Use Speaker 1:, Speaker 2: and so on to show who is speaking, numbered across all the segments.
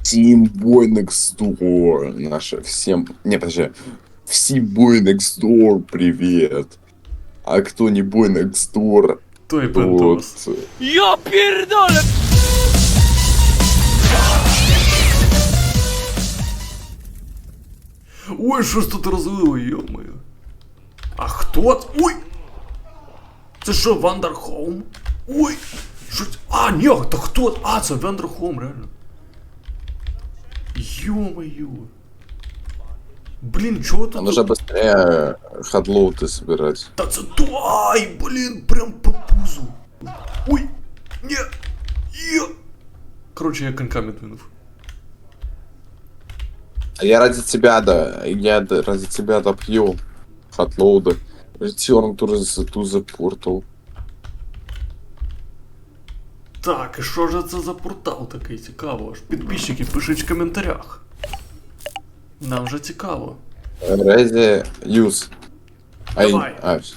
Speaker 1: Team Boy Next Door. Наша всем... Не, подожди. Всем Boy Next Door привет. А кто не Boy Next Door,
Speaker 2: Той
Speaker 1: тот...
Speaker 2: пентос.
Speaker 3: Я пердолю!
Speaker 2: Ой, що ж тут розлило, йо-моє. А хто це? Ой! Це що, Вандерхолм? Ой! Що це? А, ні, та хто? А, це Вандерхолм, реально. Ё-моё. Блін, чого тут?
Speaker 1: Нужно быстрее хадлоуты собирать.
Speaker 2: Та це то... Ай, блін, прям по пузу. Ой! Ні! Є! Короче, я коньками двинув.
Speaker 1: А я ради тебя, да. Ради тебя допью хадлоуды. Return to the portal.
Speaker 2: Так, і що ж це за портал такий цікаво? Аж підписчики, пишіть в коментарях. Нам же цікаво.
Speaker 1: Ready, use.
Speaker 2: Давай.
Speaker 1: Все,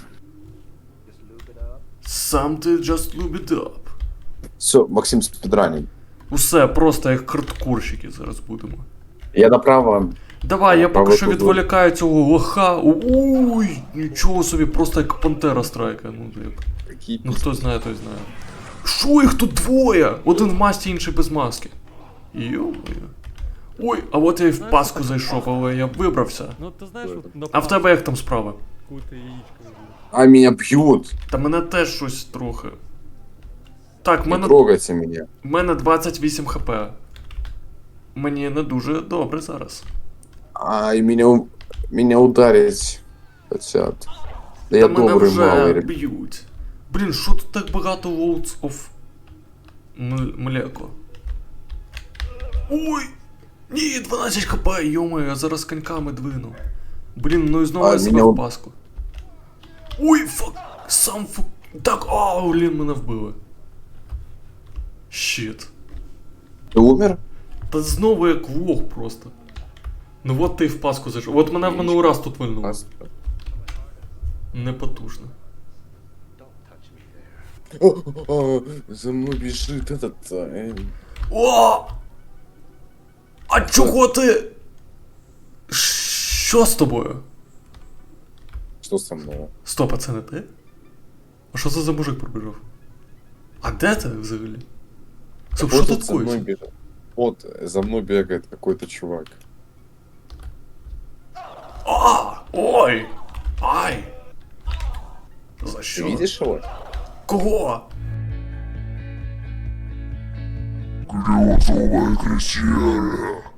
Speaker 2: Something just loop it up.
Speaker 1: Максим спидраним.
Speaker 2: Усе, просто як хардкорщики зараз будемо.
Speaker 1: Я направо.
Speaker 2: Давай, я
Speaker 1: Право
Speaker 2: поки що
Speaker 1: тут.
Speaker 2: відволікаю цього лоха. Ой, нічого собі, просто як пантера страйка. Ну хто знає, той знає. Що їх тут двоє? Один в масці, інший без маски. Йо-моє. Ой, а от я і в паску зайшов, але я вибрався.
Speaker 3: Ну ти знаєш, от на
Speaker 2: А в тебе як там справа?
Speaker 3: какую-то яичко выбил.
Speaker 1: А меня бьют.
Speaker 2: Та мене теж щось трохи. Так,
Speaker 1: Не трогайте меня.
Speaker 2: в мене 28 хп. Мені не дуже добре зараз.
Speaker 1: А, и меня ударить хотят. Да я
Speaker 2: Та мене
Speaker 1: добрый
Speaker 2: вже
Speaker 1: малый, ребят.
Speaker 2: б'ють. Блін, що тут так багато Loads of млеко? Ой! Ні, 12 хп, йомаю, я зараз коньками двину. Блін, ну і знову
Speaker 1: А,
Speaker 2: я себе
Speaker 1: мене
Speaker 2: в паску. Ой, фак, сам фак. Так, блін, мене вбили. Щит.
Speaker 1: Ты умер?
Speaker 2: Та знову як лох просто. Ну от ти в паску зайшов. От мене в минулий раз тут вильнуло. Непотужно.
Speaker 1: За мной бежит этот...
Speaker 2: О! А чого ти? Що з тобою?
Speaker 1: Что со мной?
Speaker 2: Стоп, а це не ти? А що це за мужик пробіжав? А де ти взагалі? Стоп, що
Speaker 1: Вот
Speaker 2: тут
Speaker 1: за мной
Speaker 2: коїться?
Speaker 1: бежит. Вот, за мной бегает какой-то чувак.
Speaker 2: Ой! Ай! За
Speaker 1: Ты
Speaker 2: що?
Speaker 1: видишь его?
Speaker 2: Кого?
Speaker 1: Грязовая крещение.